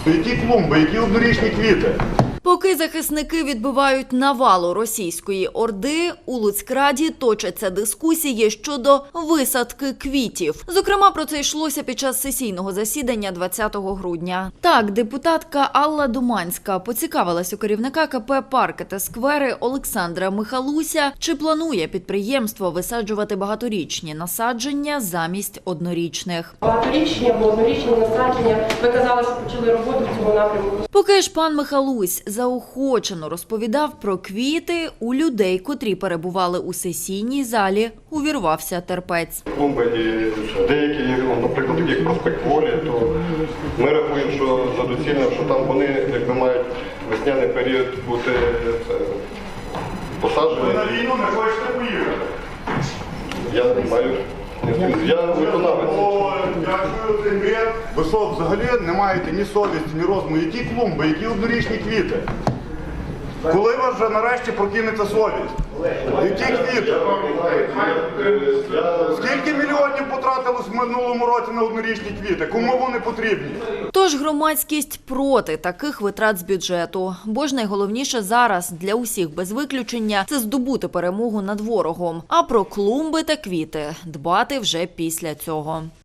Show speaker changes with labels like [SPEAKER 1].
[SPEAKER 1] Які клумби, які однорічні квіти?
[SPEAKER 2] Поки захисники відбивають навалу російської орди, у Луцькраді точаться дискусії щодо висадки квітів. Зокрема, про це йшлося під час сесійного засідання 20 грудня. Так, депутатка Алла Думанська поцікавилась у керівника КП «Парки та сквери» Олександра Михалуся, чи планує підприємство висаджувати багаторічні насадження замість однорічних.
[SPEAKER 3] Багаторічні або однорічні насадження, ви казали, що почали роботу в цьому напрямку.
[SPEAKER 2] Поки ж пан Михалусь заохочено розповідав про квіти, у людей, котрі перебували у сесійній залі, увірвався терпець.
[SPEAKER 4] Клумби і деякі, наприклад, такі як проспект Волі, то ми рахуємо, що за доцільно, що там вони якби мають весняний період бути посаджені.
[SPEAKER 1] Ви на війну не хочете поїхати?
[SPEAKER 4] Я виконавець.
[SPEAKER 1] Дякую, цей бред. Ви що, взагалі не маєте ні совісті, ні розуму? Які клумби, які однорічні квіти? Коли вас вже нарешті прокинеться совість? Які квіти? Скільки мільйонів потратилось в минулому році на однорічні квіти? Кому вони потрібні?
[SPEAKER 2] Тож громадськість проти таких витрат з бюджету. Бо ж найголовніше зараз для усіх без виключення – це здобути перемогу над ворогом. А про клумби та квіти дбати вже після цього.